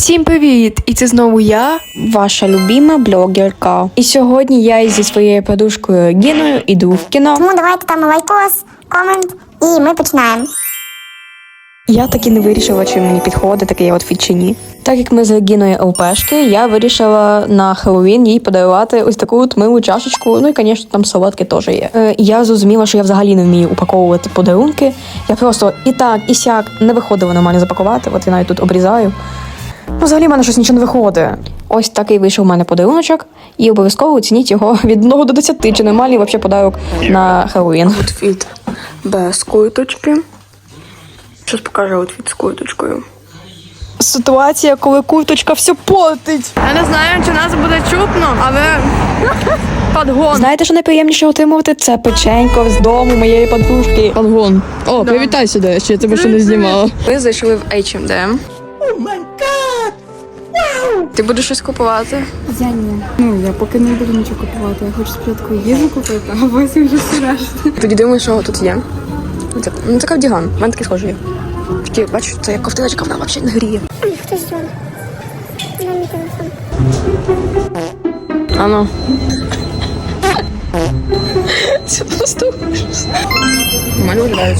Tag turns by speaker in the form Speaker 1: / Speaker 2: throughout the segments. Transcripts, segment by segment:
Speaker 1: Всім привіт! І це знову я,
Speaker 2: ваша любима блогерка. І сьогодні я зі своєю подружкою Гіною іду в кіно.
Speaker 3: Тому давайте там лайкос, комент, і ми починаємо.
Speaker 2: Я таки не вирішила, чи мені підходить такий outfit чи ні. Так як ми з Гіною ЛПшки, я вирішила на Хеллоуін їй подарувати ось таку от милу чашечку. Ну і, звісно, там солодки теж є. Я зрозуміла, що я взагалі не вмію упаковувати подарунки. Я просто і так, і сяк не виходила нормально запакувати. От я навіть тут обрізаю. Ну, взагалі в мене щось нічого не виходить. Ось такий вийшов у мене подаруночок. І обов'язково оцініть його від 1 до 10, чи нормальний взагалі подарунок на Хеллоуін.
Speaker 1: Аутфіт без курточки. Щось покажу аутфіт з курточкою.
Speaker 2: Ситуація, коли курточка все портить.
Speaker 1: Я не знаю, чи нас буде чутно, але подгон.
Speaker 2: Знаєте, що найприємніше отримувати? Це печенько з дому моєї подружки.
Speaker 4: Подгон. О, привітай сюди, ще я тебе ще не знімала.
Speaker 1: Ми зайшли в H&M. Ти будеш щось купувати?
Speaker 5: Я ні. Ну, я поки не буду нічого купувати. Я хочу спочатку їжу купити, а потім вже все решта.
Speaker 1: Тоді думаю, що тут є. Ну, це кардіган. У мене такий схожий є. Такі, бачиш, це як ковтиночка, вона взагалі не гріє.
Speaker 3: Хтось дзвонить. На мій телефон.
Speaker 1: Ано. Це просто ужас. Нормально виглядають.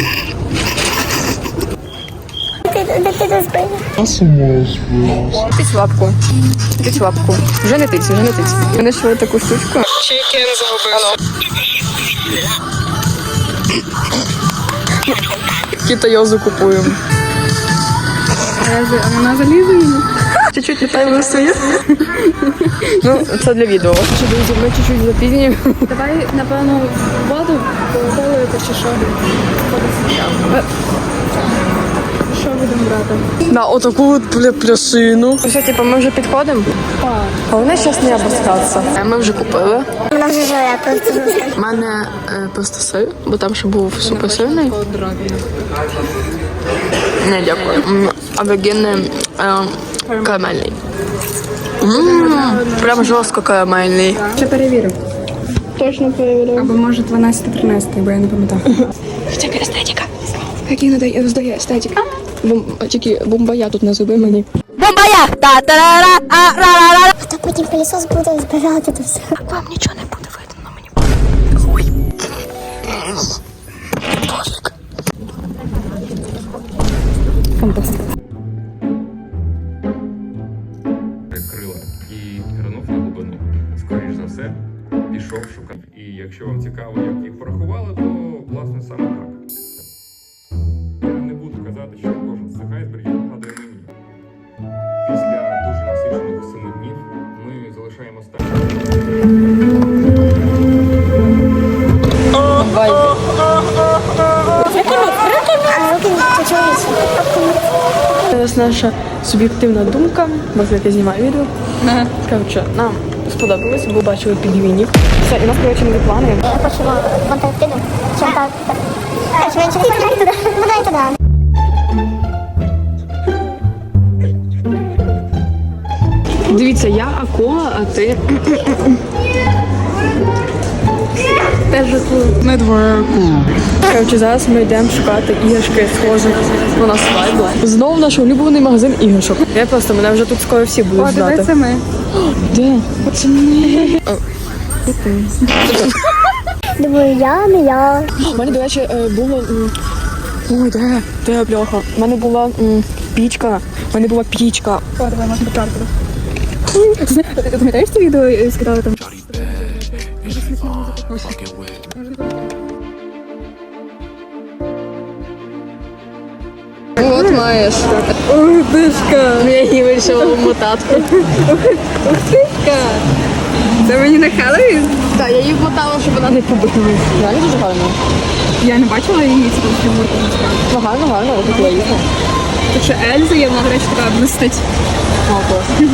Speaker 3: Де ти розбив?
Speaker 1: Тить лапку. Тить лапку. Вже не тить, вже не тить. Ми знайшли таку штучку. Чикен загубила. Китайозу купуємо.
Speaker 5: А вона залізе мені?
Speaker 1: Чуть-чуть літай висує. Ну, це для відео. Що, друзі, ми чуть-чуть запізнюємо.
Speaker 5: Давай, напевно, воду полити чи що. Що будемо брати?
Speaker 1: На отаку от пляшину. Все, типу, ми вже підходимо. Головне зараз не обоскатися. Ми вже купили.
Speaker 3: Вона вже живе, просто жорстко.
Speaker 1: У мене просто сир, бо там ще був супер сирний. Не, дякую. А вегінний карамельний. Прям жорстко карамельний.
Speaker 5: Ще перевірю.
Speaker 1: Точно перевіряю.
Speaker 5: Або може 12-13, бо я не пам'ятаю.
Speaker 1: Тільки естетика. Який надає роздає естетика. Тільки бомбая тут не зуби мені.
Speaker 3: Бомбая! А то потім пилісос буде збирати то все.
Speaker 1: Вам нічого не буде видно на мені. Ой. Пофіг.
Speaker 6: Крила і пірнув на глибину. Скоріш за все, пішов шукати. І якщо вам цікаво, як їх порахували, то власне саме так. Я не буду казати, що кожен з цих айсбергів нагадує мені. Після дуже насичених 7 днів ми залишаємо
Speaker 1: Це наша суб'єктивна думка, бо як я знімаю відео. Коротше, нам сподобалось, бо бачили пінгвінів. Все, і нас, коротше, не плани.
Speaker 3: Я хочу в Антарктиду. Чим так? Швидше не туди. Будай туди.
Speaker 1: Дивіться, я акула, а ти... Теж акула.
Speaker 4: Network.
Speaker 1: Коротше, зараз ми йдемо шукати іграшки схожих на нас вайбла. Знову наш улюблений магазин іграшок. Мене вже тут скоро всі будуть
Speaker 5: О,
Speaker 1: знати.
Speaker 5: дивися ми.
Speaker 1: Де? Оце не.
Speaker 3: Думаю, я, не я.
Speaker 1: У мене, до речі, було... Ой, де бляха? У мене була пічка.
Speaker 5: О, давай, можна почати. Ти пам'ятаєш це відео скидали там?
Speaker 1: От маєш. Ой, дишка. Я її вирішила вмотати.
Speaker 5: Це мені на Хеллоуін?
Speaker 1: Так, я її вмотала, щоб вона не побитила. Реально дуже гарно.
Speaker 5: Я не бачила її цього фігурку.
Speaker 1: Ну, гарно, ось тут їхала.
Speaker 5: Тут ще Ельза є, вона, до речі, така блистить.
Speaker 1: О, клас.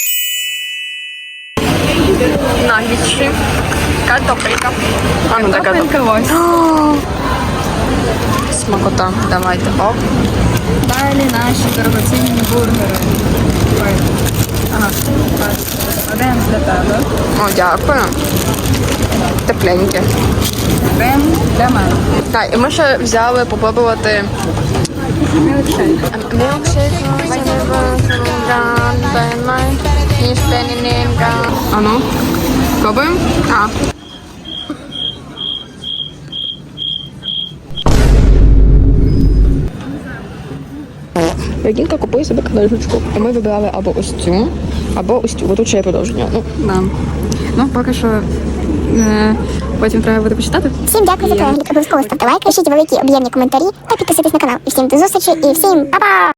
Speaker 1: Наггетси, картопелька. А, ну така
Speaker 5: ось.
Speaker 1: смакота. Давайте. Оп.
Speaker 5: Далі наші дорогоцінні бургери. Ой. Ага, один для тебе.
Speaker 1: О, дякую. Тепленьке.
Speaker 5: Один для мене.
Speaker 1: Так, і ми ще взяли попробувати
Speaker 5: Мілкшейк.
Speaker 1: мілкшейк. А ну, пробуємо? А.
Speaker 2: Регінка купує себе книжечку. І ми вибирали або ось цю, або ось цю. Бо тут ще є продовження. Ну,
Speaker 5: Да. Ну, поки що потім треба буде почитати.
Speaker 3: Всім дякую за перегляд. Обов'язково ставте лайк, пишіть великі об'ємні коментарі та підписуйтесь на канал. І всім до зустрічі, і всім па-па!